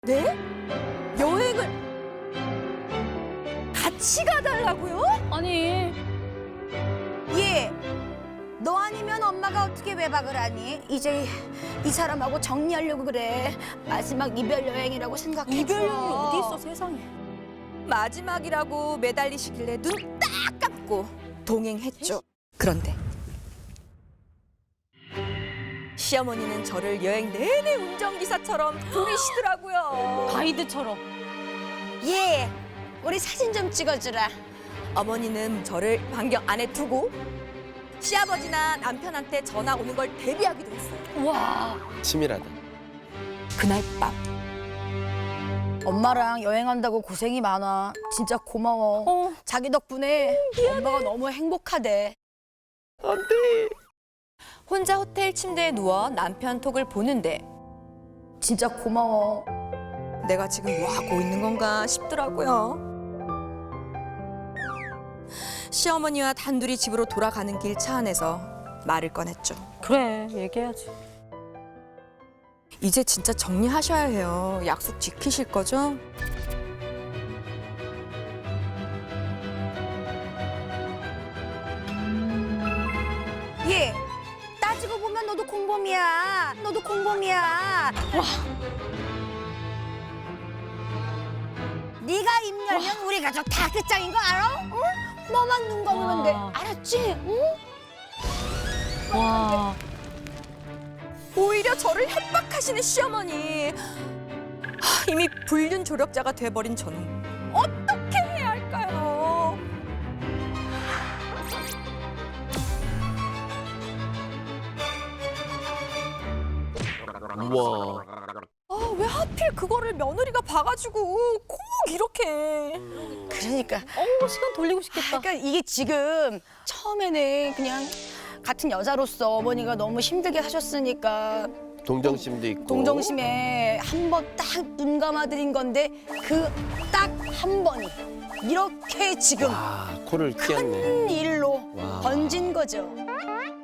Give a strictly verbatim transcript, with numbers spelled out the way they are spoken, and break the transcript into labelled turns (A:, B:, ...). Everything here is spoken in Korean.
A: 네? 여행을 같이 가달라고요?
B: 아니,
C: 예. 너 아니면 엄마가 어떻게 외박을 하니? 이제 이 사람하고 정리하려고 그래. 마지막 이별 여행이라고 생각해.
A: 이별 여행이 어디 있어 세상에. 마지막이라고 매달리시길래 눈 딱 감고 동행했죠. 그런데 시어머니는 저를 여행 내내 운전기사처럼 부리시더라고요.
B: 가이드처럼.
C: 예. 우리 사진 좀 찍어주라.
A: 어머니는 저를 반경 안에 두고 시아버지나 남편한테 전화 오는 걸 대비하기도 했어요.
B: 와,
D: 치밀하다.
A: 그날 밤
C: 엄마랑 여행한다고 고생이 많아. 진짜 고마워.
B: 어.
C: 자기 덕분에 엄마가 너무 행복하대.
A: 혼자 호텔 침대에 누워 남편 톡을 보는데
C: 진짜 고마워.
A: 내가 지금 뭐 하고 있는 건가 싶더라고요. 시어머니와 단둘이 집으로 돌아가는 길 차 안에서 말을 꺼냈죠.
B: 그래, 얘기해야지.
A: 이제 진짜 정리하셔야 해요. 약속 지키실 거죠?
C: 예. 따지고 보면 너도 공범이야. 너도 공범이야. 와. 네가 입 열면 우리 가족 다 끝장인 거 알아? 응? 너만 눈 감으면 돼.
B: 와.
C: 알았지? 응?
B: 와,
A: 오히려 저를 협박하시는 시어머니. 하, 이미 불륜 조력자가 돼버린 저는 어떻게 해야 할까요?
D: 우와.
A: 아, 왜 하필 그거를 며느리가 봐가지고 꼭 이렇게.
C: 그러니까.
B: 어우, 시간 돌리고 싶겠다.
C: 그러니까 이게 지금 처음에는 그냥 같은 여자로서 어머니가 너무 힘들게 하셨으니까
D: 동정심도 있고.
C: 동정심에 한 번 딱 눈 감아드린 건데 그 딱 한 번이 이렇게 지금
D: 와, 코를
C: 큰
D: 튀었네.
C: 일로
D: 와.
C: 번진 거죠.